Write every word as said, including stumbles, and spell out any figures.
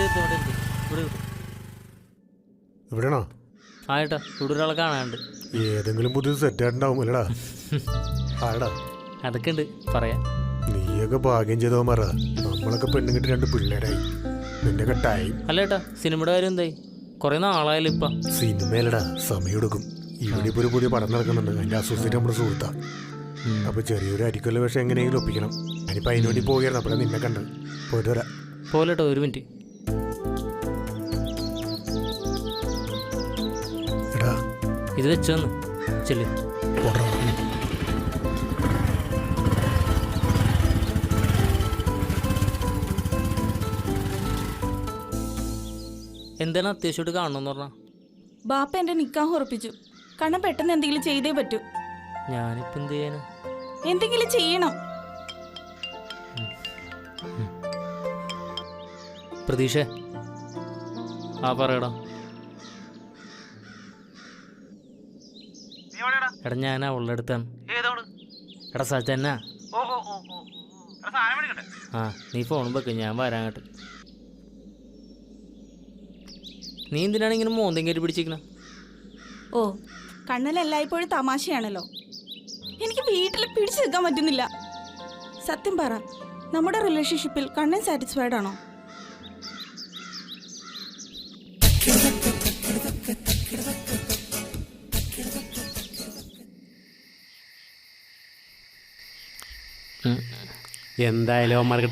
ഇവിടെ എത്തും ഇവിടെ എത്തും ഇവിടെ എത്തും. എവിടെയാണോ? ആ ഏട്ടാ ഇവിടെ ഒരാളെ കാണാനുണ്ട്. ഏതെങ്കിലും പുതിയ സെറ്റ് ആയിട്ടുണ്ടാവും അല്ലടാ? ആടാ അതൊക്കെ ഉണ്ട് പറയാം. നീയൊക്കെ ഭാഗ്യം ചെയ്തോ മറ. നമ്മളൊക്കെ പെണ്ണുങ്ങിട്ട് രണ്ട് പിള്ളേരായി. നിന്റെ ടൈം അല്ല ഏട്ടാ സിനിമയുടെ കാര്യം എന്തായി? കുറെ നാളായാലും ഇപ്പൊ സിനിമയിലടാ സമയം എടുക്കും. ഇവിടെ ഇപ്പൊ ഒരു പുതിയ പടം നടക്കുന്നുണ്ട്. അതിന്റെ അസോസിയേറ്റ് നമ്മുടെ സുഹൃത്താ. അപ്പൊ ചെറിയൊരു അരിക്കൊല്ല വിഷം എങ്ങനെയെങ്കിലും ഒപ്പിക്കണം. ഞാനിപ്പോ അതിനുവേണ്ടി പോവുകയായിരുന്നു. അപ്പോഴാണ് നിന്നെ കണ്ടത്. പോയിട്ട് വരാം. പോലെട്ടോ ഒരു മിനിറ്റ്. എടാ ഇത് വെച്ചോന്ന് ചെല്ലു. എന്താണ് അത്യാവശ്യമായിട്ട് കാണണമെന്ന് പറഞ്ഞാ? ബാപ്പ എന്റെ നിക്കാഹ് ഉറപ്പിച്ചു. കണ്ണൻ പെട്ടെന്ന് എന്തെങ്കിലും ചെയ്തേ പറ്റൂ. ഞാനിപ്പോ എന്ത് ചെയ്യാനാ? എന്തെങ്കിലും ചെയ്യണം. പ്രതീക്ഷ ആ പറയടാ. എടാ ഞാൻ അവളുടെ അടുത്താണ്. എടാ സച്ചന്നാ. ആ നീ ഫോൺ വെക്ക്, ഞാൻ വരാൻ കേട്ട്. നീ എന്തിനാണ് ഇങ്ങനെ മോന്തം കയറി പിടിച്ചിരിക്കണ? ഓ കണ്ണൻ എല്ലായ്പ്പോഴും തമാശയാണല്ലോ. എനിക്ക് വീട്ടിൽ പിടിച്ചു നിൽക്കാൻ പറ്റുന്നില്ല. സത്യം പറ, നമ്മുടെ റിലേഷൻഷിപ്പിൽ കണ്ണൻ സാറ്റിസ്ഫൈഡ് ആണോ? എന്തായാലും